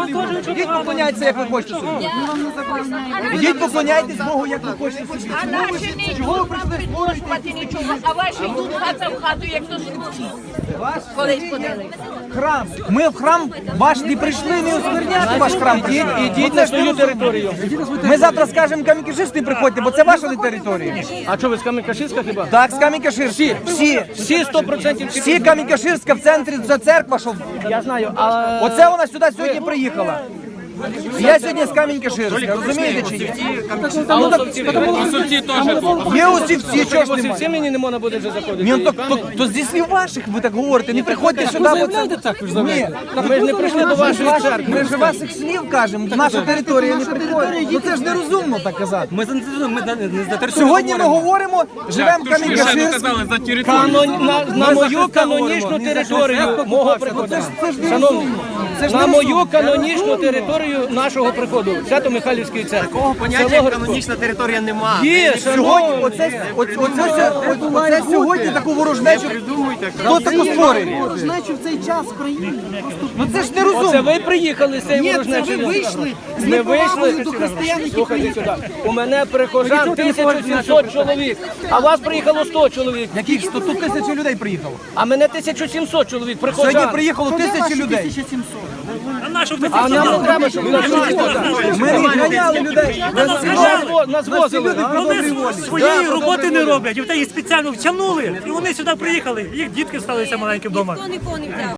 Ідіть поклоняйтеся, як ви хочете собі. Ідіть поклоняйтесь Богу, як ви хочете собі. А наші не йдуть, вам не службати нічого, а ваші йдуть хата в хату, як то слухці. Колись ходили. Храм. Ми в храм ваш не прийшли, не оскверняти ваш храм. Ідіть на свою територію. Ми завтра скажемо Камінь-Каширськ не приходьте, бо це ваша територія. А що ви з Камінь-Каширська хіба? Так, з Камінь-Каширська. Всі 100% всі Камінь-Каширська в центрі, за церква, що... Я знаю, а... Оце вона сюди сьогодні приїхала. Я сьогодні з Камінь-Каширська, розумієте чи ні? Осовці теж. Є усівці, чого ж Осовці немає? мені не можна буде вже заходити. Ні, то зі слів ваших ви так говорите, не приходьте сюди, бо це... Ні, Ми ж не прийшли до вашої церкви. ми ж ваших слів кажемо, наша територія не приходить. Ну це ж нерозумно так казати. Ми не за територію. Сьогодні ми говоримо, живемо в Камінь-Каширськ. за територію. На мою канонічну територію мого приходу. Шановні, на мою канонічну територію нашого приходу, Свято-Михайлівської церкви. Такого поняття як канонічна територія нема. Є, Сьогодні, шановні. оце сьогодні таку ворожнечу, хто таку створює? Ворожнечу в цей час в країні. Ну це ж Це нерозумно. ви приїхали з цієї Ні, це ворожнечі? ви вийшли з Не неповагою вийшли? до християн, які Слухайте приїхали. сюди. У мене прихожан 1700 чоловік, а вас приїхало 100 чоловік. Яких 100 тут тисячі людей приїхало? А мене 1700 чоловік прихожан. Сьогодні приїхало тисячі людей. 1700. А нам не треба, щоб нас Ми не ганяли людей. нас возили. Вони своєї роботи не роблять, і їх спеціально втягнули, і вони сюди приїхали, їх дітки сталися маленькі вдома. Ніхто нікого не взяв.